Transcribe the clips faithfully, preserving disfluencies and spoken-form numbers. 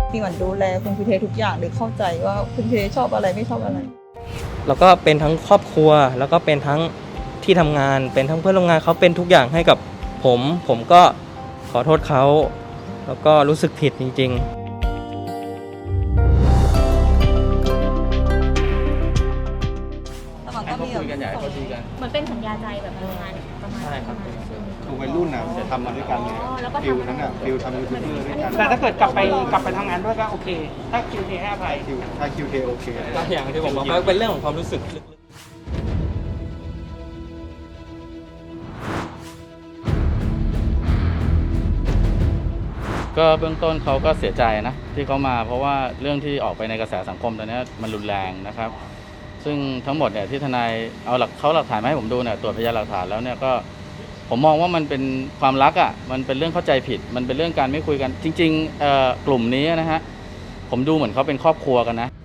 มีหวันดูแลคุณพีเททุกอย่างหรือเข้าใจว่าคุณพีเทชอบอะไรไม่ชอบอะไรแล้วก็เป็นทั้งครอบครัวแล้วก็เป็นทั้งที่ทำงานเป็นทั้งเพื่อนร่วมงานเขาเป็นทุกอย่างให้กับผมผมก็ขอโทษเขาแล้วก็รู้สึกผิดจริงๆให้เขาคุยกันใหญ่เขาดีกันมันเป็นสัญญาใจแบบประมาณประมาณใช่ครับคือวัยรุ่นน่ะจะทำมาด้วยกันไงฟิลนั้นน่ะฟิลทำยูทูบเบอร์ด้วยกันแต่ถ้าเกิดกลับไปกลับไปทำงานด้วยก็โอเค ถ้าคิวเทให้อภัยคิวถ้าคิวเทโอเคก็อย่างที่ผมบอกว่าเป็นเรื่องของความรู้สึกลึกๆก็เบื้องต้นเขาก็เสียใจนะที่เขามาเพราะว่าเรื่องที่ออกไปในกระแสสังคมตอนนี้มันรุนแรงนะครับซึ่งทั้งหมดเนี่ยที่ทนายเอาหลักเขาหลักฐานมาให้ผมดูเนี่ยตรวจพยานหลักฐานแล้วเนี่ยก็ผมมองว่ามันเป็นความรักอ่ะมันเป็นเรื่องเข้าใจผิดมันเป็นเรื่องการไม่คุยกันจริงๆเอ่อกลุ่มนี้นะฮะผมดูเหมือนเขาเป็นครอบครัวกันนะ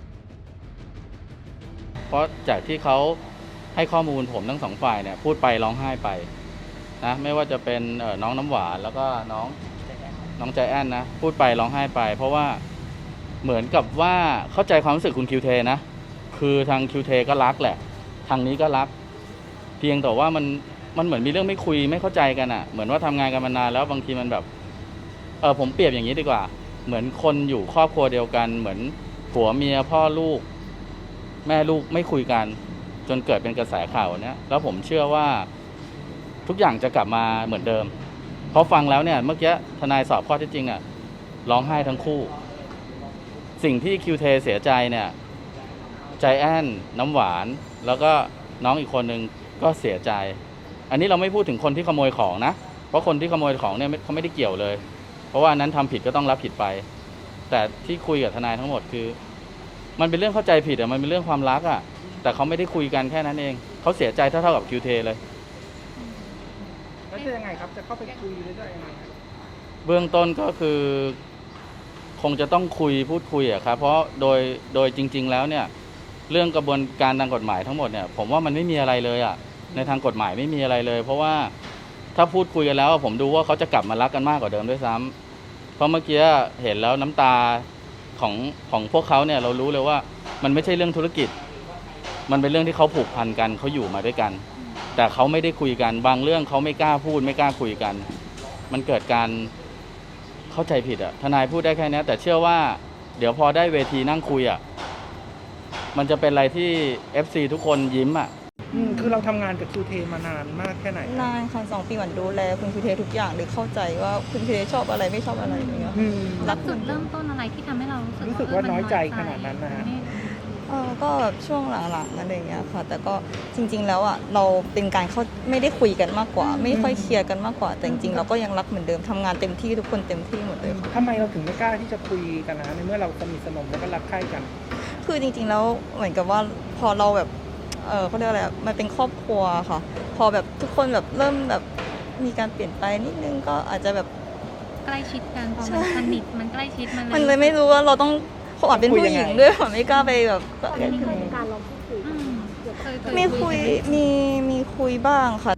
เพราะจากที่เขาให้ข้อมูลผมทั้งสองฝ่ายเนี่ยพูดไปร้องไห้ไปนะไม่ว่าจะเป็นน้องน้ำหวานแล้วก็น้องน้องใจแอนนะพูดไปร้องไห้ไปเพราะว่าเหมือนกับว่าเข้าใจความรู้สึกคุณคิวเทนะคือทางคิวเทก็รักแหละทางนี้ก็รักเพียงแต่ว่ามันมันเหมือนมีเรื่องไม่คุยไม่เข้าใจกันอ่ะเหมือนว่าทำงานกันมานานแล้วบางทีมันแบบเออผมเปรียบอย่างนี้ดีกว่าเหมือนคนอยู่ครอบครัวเดียวกันเหมือนผัวเมียพ่อลูกแม่ลูกไม่คุยกันจนเกิดเป็นกระแสข่าวเนี้ยแล้วผมเชื่อว่าทุกอย่างจะกลับมาเหมือนเดิมเพราะฟังแล้วเนี่ยเมื่อกี้ทนายสอบข้อเท็จจริงอ่ะร้องไห้ทั้งคู่สิ่งที่คิวเทเสียใจเนี่ยใจแอนน้ำหวานแล้วก็น้องอีกคนนึงก็เสียใจอันนี้เราไม่พูดถึงคนที่ขโมยของนะเพราะคนที่ขโมยของเนี่ยเขาไม่ได้เกี่ยวเลยเพราะว่านั้นทำผิดก็ต้องรับผิดไปแต่ที่คุยกับทนายทั้งหมดคือมันเป็นเรื่องเข้าใจผิดอ่ะมันเป็นเรื่องความรักอ่ะแต่เขาไม่ได้คุยกันแค่นั้นเองเขาเสียใจเท่าๆกับคิวเทเลยแล้วจะยังไงครับจะเข้าไปคุยหรือจะยังไงเบื้องต้นก็คือคงจะต้องคุยพูดคุยอะครับเพราะโดยโดยจริงๆแล้วเนี่ยเรื่องกระบวนการทางกฎหมายทั้งหมดเนี่ยผมว่ามันไม่มีอะไรเลยอะในทางกฎหมายไม่มีอะไรเลยเพราะว่าถ้าพูดคุยกันแล้วผมดูว่าเขาจะกลับมารักกันมากกว่าเดิมด้วยซ้ำเพราะเมื่อกี้เห็นแล้วน้ำตาของของพวกเขาเนี่ยเรารู้เลยว่ามันไม่ใช่เรื่องธุรกิจมันเป็นเรื่องที่เขาผูกพันกันเขาอยู่มาด้วยกันแต่เขาไม่ได้คุยกันบางเรื่องเขาไม่กล้าพูดไม่กล้าคุยกันมันเกิดการเข้าใจผิดอะทนายพูดได้แค่นี้แต่เชื่อว่าเดี๋ยวพอได้เวทีนั่งคุยอะมันจะเป็นอะไรที่ เอฟ ซี ทุกคนยิ้มอะอืมคือเราทำงานกับคิวเทมานานมากแค่ไหนนานค่ะสองปีหวันดูแลคุณพีเททุกอย่างหรือเข้าใจว่าคุณพีเทชอบอะไรไม่ชอบอะไรอย่างเงี้ยรับจุดเริ่มต้นอะไรที่ทำให้เรารู้สึกรู้สึกว่าน้อยใจขนาดนั้นนะฮะเออก็แบบช่วงหลังๆอะไรอย่างเงี้ยค่ะแต่ก็จริงๆแล้วอ่ะเราเป็นการเขาไม่ได้คุยกันมากกว่าไม่ค่อยเคลียร์กันมากกว่าแต่จริงๆเราก็ยังรักเหมือนเดิมทำงานเต็มที่ทุกคนเต็มที่หมดเลยค่ะทำไมเราถึงไม่กล้าที่จะคุยกันนะในเมื่อเราสนิทสนมแล้วก็รักใคร่กันคือจริงๆแล้วเหมือนกับว่าพอเราแบบเออเขาเรียกอะไรมันเป็นครอบครัวค่ะพอแบบทุกคนแบบเริ่มแบบมีการเปลี่ยนไปนิดนึงก็อาจจะแบบใกล้ชิดกันพอมันสนิทมันใกล้ชิดมันมันเลยไม่รู้ว่าเราต้องเขาอาจเป็นผู้หญิงด้วยไม่กล้าไปแบบก็ไม่เคยมีการลองพูดคุยมีคุยมีมีคุยบ้างค่ะ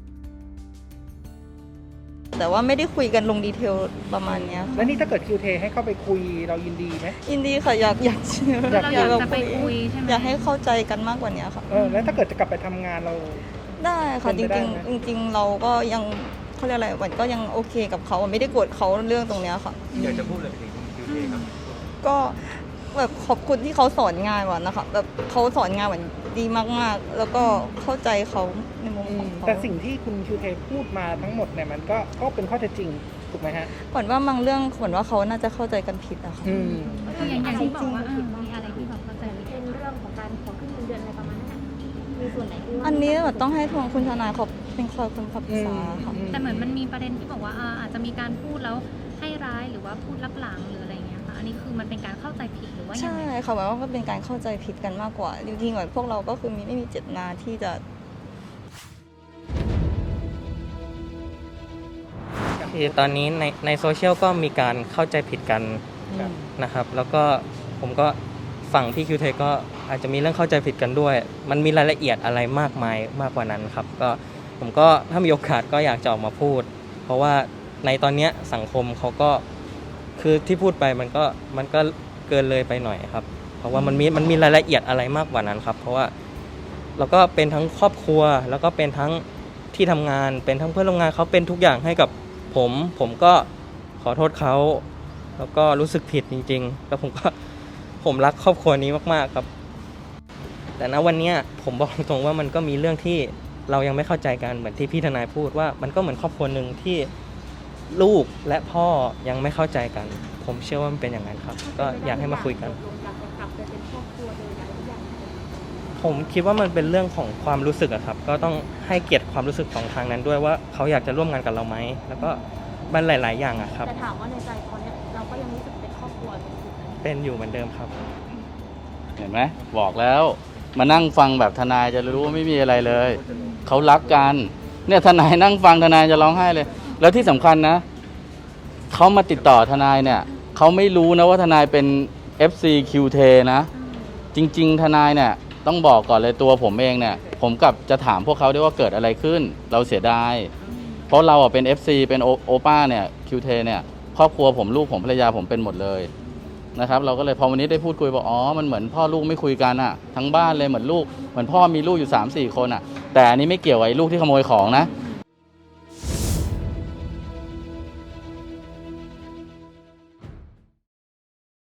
แต่ว่าไม่ได้คุยกันลงดีเทลประมาณนี้แล้วนี่ถ้าเกิดคิวเทให้เข้าไปคุยเรายินดีไหมยินดีค่ะอยากอยากอยากอยากจะไปคุยใช่ไหมอยากให้เข้าใจกันมากกว่านี้ค่ะเออแล้วถ้าเกิดจะกลับไปทำงานเราได้ค่ะจริงๆจริงๆเราก็ยังเขาเรียกอะไรวันก็ยังโอเคกับเขาไม่ได้โกรธเขาเรื่องตรงนี้ค่ะอยากจะพูดอะไรถึงคิวเทครับก็แบบขอบคุณที่เขาสอนงานวันนะคะแบบเขาสอนงานวันดีมากๆแล้วก็เข้าใจเขาในมุมของเขาแต่สิ่งที่คุณคิวเทพูดมาทั้งหมดเนี่ยมันก็ก็เป็นข้อเท็จจริงถูกไหมฮะขวัญว่าบางเรื่องขวัญว่าเขาน่าจะเข้าใจกันผิดอะค่ะคืออย่างอย่างที่บอกว่ามีอะไรที่แบบเข้าใจเป็นเรื่องของการขอขึ้นเงินเดือนอะไรประมาณนั้นมีส่วนไหนที่อันนี้แบบต้องให้ทางคุณทนายเขาเป็นคอยคนขับษาค่ะแต่เหมือนมันมีประเด็นที่บอกว่าอาจจะมีการพูดแล้วให้ร้ายหรือว่าพูดลับหลังหรืออะไรเงี้ยค่ะอันนี้คือมันเป็นการเข้าใจผิดหรือว่าใช่ค่ะหมายว่าก็เป็นการเข้าใจผิดกันมากกว่าจริงๆเหมือนพวกเราก็คือมีไม่มีเจตนาที่จะคือตอนนี้ในในโซเชียลก็มีการเข้าใจผิดกันนะครับแล้วก็ผมก็ฝั่งพี่คิวเทก็อาจจะมีเรื่องเข้าใจผิดกันด้วยมันมีรายละเอียดอะไรมากมายมากกว่านั้นครับก็ผมก็ถ้ามีโอกาสก็อยากจะออกมาพูดเพราะว่าในตอนนี้สังคมเขาก็คือที่พูดไปมันก็มันก็เกินเลยไปหน่อยครับ เพราะว่ามันมีมันมีรายละเอียดอะไรมากกว่านั้นครับ เพราะว่าเราก็เป็นทั้งครอบครัวแล้วก็เป็นทั้งที่ทำงานเป็นทั้งเพื่อนร่วมงานเขาเป็นทุกอย่างให้กับผม ผมก็ขอโทษเขาแล้วก็รู้สึกผิดจริงๆแล้วผมก็ผมรักครอบครัวนี้มากๆครับ แต่ณวันนี้ผมบอกตรงๆว่ามันก็มีเรื่องที่เรายังไม่เข้าใจกันเหมือนที่พี่ทนายพูดว่ามันก็เหมือนครอบครัวหนึ่งที่ลูกและพ่อยังไม่เข้าใจกัน ผมเชื่อว่ามันเป็นอย่างนั้นครับ ก็อยากให้มาคุยกัน ผมคิดว่ามันเป็นเรื่องของความรู้สึกอะครับ ก็ต้องให้เกียรติความรู้สึกของทางนั้นด้วยว่าเขาอยากจะร่วมงานกับเราไหมแล้วก็มันหลาย ๆ อย่างอะครับแต่ถามว่าในใจตอนเนี้ยเราก็ยังรู้สึกเป็นครอบครัวอยู่ไหมเป็นอยู่เหมือนเดิมครับเห็นไหมบอกแล้วมานั่งฟังแบบทนายจะรู้ว่าไม่มีอะไรเลยเขารักกันเนี่ยทนายนั่งฟังทนายจะร้องไห้เลย แล้วที่สำคัญนะเขามาติดต่อทนายเนี่ยเขาไม่รู้นะว่าทนายเป็น เอฟ ซี คิว ที นะ จริง ๆ ทนายเนี่ยต้องบอกก่อนเลยตัวผมเองเนี่ยผมกับจะถามพวกเขาด้วยว่าเกิดอะไรขึ้นเราเสียดายเพราะเราเป็น เอฟ ซี เป็นโอป้าเนี่ย คิว ที เนี่ยครอบครัวผมลูกผมภรรยาผมเป็นหมดเลยนะครับเราก็เลยพอวันนี้ได้พูดคุยบอกอ๋อมันเหมือนพ่อลูกไม่คุยกันอะทั้งบ้านเลยเหมือนลูกเหมือนพ่อมีลูกอยู่ สามสี่ คนอะแต่อันนี้ไม่เกี่ยวกับไอ้ลูกที่ขโมยของนะ